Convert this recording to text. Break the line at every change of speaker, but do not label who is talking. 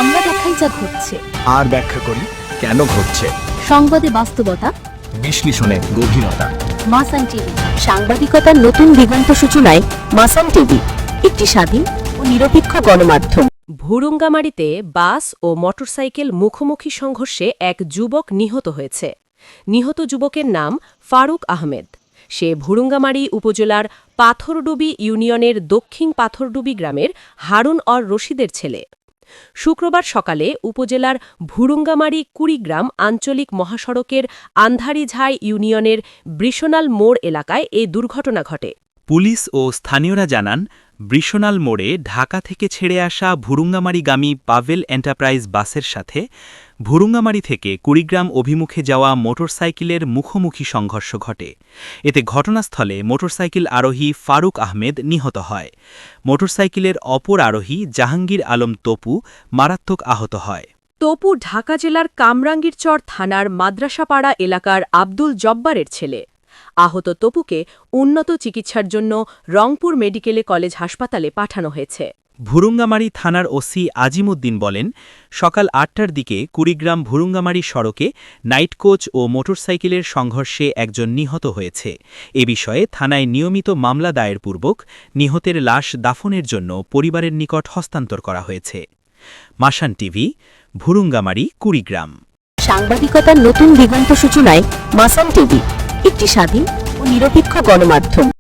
আমরা দেখাই যা ঘটছে,
আর ব্যাখ্যা করি কেন ঘটছে।
সংবাদে বাস্তবতা,
বিশ্লেষণে গভীরতা।
মাসান টিভি, সাংবাদিকতার নতুন দিগন্ত সূচনায় মাসান টিভি, একটি স্বাধীন ও নিরপেক্ষ গণমাধ্যম।
ভুরুঙ্গামারীতে বাস ও মোটরসাইকেল মুখোমুখি সংঘর্ষে এক যুবক নিহত হয়েছে। নিহত যুবকের নাম ফারুক আহমেদ। সে ভুরুঙ্গামারী উপজেলার পাথরডুবি ইউনিয়নের দক্ষিণ পাথরডুবি গ্রামের হারুন অর রশিদের ছেলে। শুক্রবার সকালে উপজেলার ভুরুঙ্গামারী কুড়িগ্রাম আঞ্চলিক মহাসড়কের আন্ধারিঝাই ইউনিয়নের বৃষণাল মোড় এলাকায় এ দুর্ঘটনা ঘটে।
পুলিশ ও স্থানীয়রা জানান, বৃষণাল মোড়ে ঢাকা থেকে ছেড়ে আসা ভুরুঙ্গামারীগামী পাভেল এন্টারপ্রাইজ বাসের সাথে ভুরুঙ্গামারী থেকে কুড়িগ্রাম অভিমুখে যাওয়া মোটরসাইকেলের মুখোমুখি সংঘর্ষ ঘটে। এতে ঘটনাস্থলে মোটরসাইকেল আরোহী ফারুক আহমেদ নিহত হয়। মোটরসাইকেলের অপর আরোহী জাহাঙ্গীর আলম তপু মারাত্মক আহত হয়।
তপু ঢাকা জেলার কামরাঙ্গীরচর থানার মাদ্রাসাপাড়া এলাকার আব্দুল জব্বারের ছেলে। আহত তপুকে উন্নত চিকিৎসার জন্য রংপুর মেডিকেল কলেজ হাসপাতালে পাঠানো হয়েছে।
ভুরুঙ্গামারী থানার ওসি আজিমুদ্দিন বলেন, সকাল ৮টার দিকে কুড়িগ্রাম ভুরুঙ্গামারী সড়কে নাইট কোচ ও মোটরসাইকেলের সংঘর্ষে একজন নিহত হয়েছে। এ বিষয়ে থানায় নিয়মিত মামলা দায়েরপূর্বক নিহতের লাশ দাফনের জন্য পরিবারের নিকট হস্তান্তর করা হয়েছে। মাসান টিভি, ভুরুঙ্গামারী, কুড়িগ্রাম।
সাংবাদিকতার নতুন দিগন্ত সূচনায় মাসান টিভি, একটি স্বাধীন ও নিরপেক্ষ গণমাধ্যম।